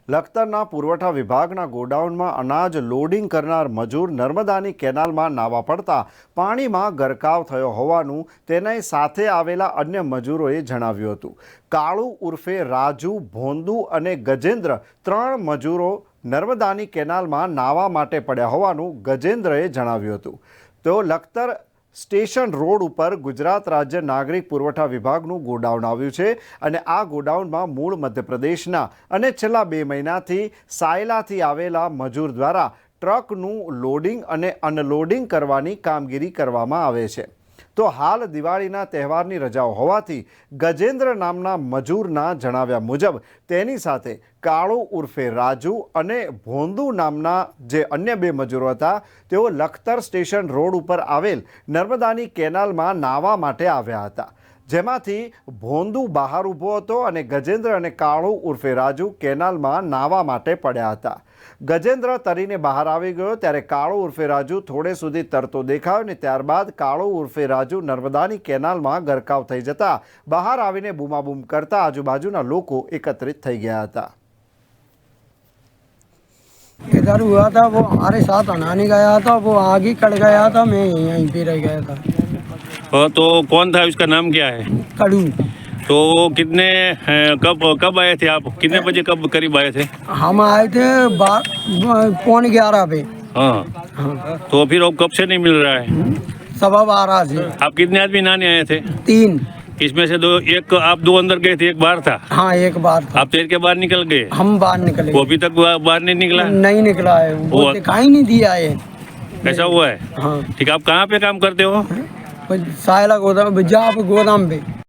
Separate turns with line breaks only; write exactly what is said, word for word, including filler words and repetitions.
લખતરના પુરવઠા વિભાગના ગોડાઉનમાં અનાજ લોડિંગ કરનાર મજૂર નર્મદાની કેનાલમાં નાવા પડતા પાણીમાં ગરકાવ થયો હોવાનું તેની સાથે આવેલા અન્ય મજૂરોએ જણાવ્યું હતું. કાળુ ઉર્ફે રાજુ, ભોંદુ અને ગજેન્દ્ર ત્રણ મજૂરો નર્મદાની કેનાલમાં નાવા માટે પડ્યા હોવાનું ગજેન્દ્રએ જણાવ્યું હતું. તેઓ લખતર સ્ટેશન રોડ ઉપર ગુજરાત રાજ્ય નાગરિક પુરવઠા વિભાગનું ગોડાઉન આવ્યું છે અને આ ગોડાઉનમાં મૂળ મધ્યપ્રદેશના અને છેલ્લા બે મહિનાથી સાયલાથી આવેલા મજૂર દ્વારા ટ્રકનું લોડિંગ અને અનલોડિંગ કરવાની કામગીરી કરવામાં આવે છે. તો હાલ દિવાળીના તહેવારની રજાઓ હોવાથી ગજેન્દ્ર નામના મજૂરના જણાવ્યા મુજબ તેની સાથે કાળુ ઉર્ફે રાજુ અને ભોંદુ નામના જે અન્ય બે મજૂરો હતા તેઓ લખતર સ્ટેશન રોડ ઉપર આવેલ નર્મદાની કેનાલમાં નાહવા માટે આવ્યા હતા, જેમાંથી ભોંદુ બહાર ઊભો હતો અને ગજેન્દ્ર અને કાળુ ઉર્ફે રાજુ કેનાલમાં નાહવા માટે પડ્યા હતા. ગજેન્દ્ર તરીને બહાર આવી ગયો ત્યારે કાળુ ઉર્ફે રાજુ થોડે સુધી તરતો દેખાયો અને ત્યારબાદ કાળુ ઉર્ફે રાજુ નર્મદાની કેનાલમાં ગરકાવ થઈ જતા બહાર આવીને બૂમાબૂમ કરતા આજુબાજુના લોકો એકત્રિત થઈ ગયા હતા.
इधर हुआ था, वो हमारे साथ अनाने गया था, वो आगे कट गया था, मैं यहीं पे रह गया था.
तो कौन था, उसका नाम क्या है?
कड़ू.
तो कितने कब कब आए थे आप? कितने बजे कब करीब आए थे?
हम आए थे पौने ग्यारह पे.
हाँ.
हाँ.
तो फिर अब कब से नहीं मिल रहा है?
सवा बारह से.
आप कितने आदमी नहाने आए थे?
तीन.
इसमें से दो, एक आप दो अंदर गए थे, एक बाहर था?
हाँ, एक बार था.
आप तैर के बाहर निकल गए?
हम बाहर निकले.
वो अभी तक बाहर नहीं निकला?
नहीं निकला है, वो दिखाई नहीं दिया है.
ऐसा हुआ है?
हाँ.
ठीक. आप कहाँ पे काम करते हो?
सायला गोदाम, जहाँ पे गोदाम पे.